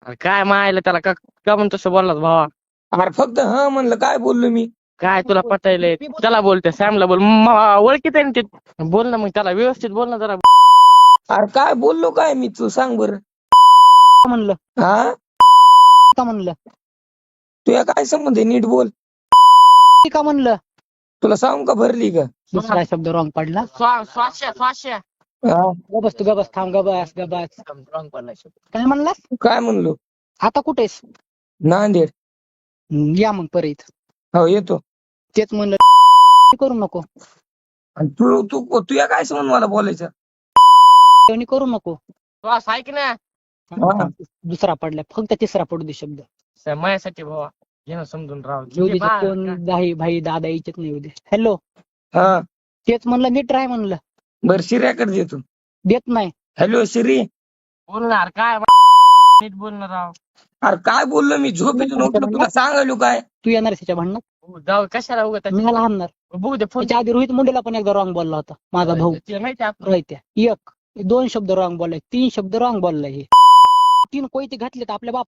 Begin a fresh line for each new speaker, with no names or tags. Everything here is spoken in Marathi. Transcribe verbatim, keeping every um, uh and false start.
अरे काय मायला त्याला का का म्हणून तसं बोललास भावा?
अरे फक्त हा म्हणलं, काय बोललो मी?
काय तुला पटायलंय? त्याला बोलते सॅमला बोल, म- ओळखीत आहे ना ते. बोल ना मग त्याला व्यवस्थित बोल ना जरा.
अरे काय बोललो काय मी, तू सांग बरं.
म्हणलं
हा
का म्हणलं
तुया काय संबंध आहे, नीट बोल.
का म्हणलं
तुला सांगू का भरली का?
दुसरा शब्द रॉंग पडला.
स्वा- स्वाश्या स्वाश्या
हा
गबस तू गबस थांब गबस गबस
रॉंग पडला शब्द.
काय म्हणलास?
काय म्हणलो?
आता कुठेस?
नांदेड.
हम्म, या मग परत.
हो येतो.
तेच म्हणलं करू नको.
आणि तू तू तुया काय संबंध मला बोलायचं?
कोणी करू नको.
श्वास ऐक ना.
हा.
दुसरा पडला, फक्त तिसरा पडू दे शब्द.
स- माझ्यासाठी भावा घे ना समजून राव.
येऊ दे,
किती बा-
कोण भाई भाई दादा यायचेच नाही. येऊ दे. हॅलो,
हा
तेच म्हणलं नीट राह म्हणलं.
बर शिर्याकडे देतो.
देत नाही.
हॅलो शिरी.
बोलणार काय नीट बोलणार राव.
अरे काय बोललो मी, झोपेतून उठलो तुला सांगायलो काय?
तू येणार त्याच्या भांडणात?
हो, जाऊ कशाला उगत
मी मला हाणणार.
बघू दे फोन.
त्याच्या आधी रोहित मुंडेला पण एकदा रॉंग बोलला होता माझा भाऊ.
ते माहिती आहे
रोहित्या एक दोन शब्द रॉंग बोललाय, तीन शब्द रॉंग बोललाय. हे तीन कोयते घातले तर आपल्या बाप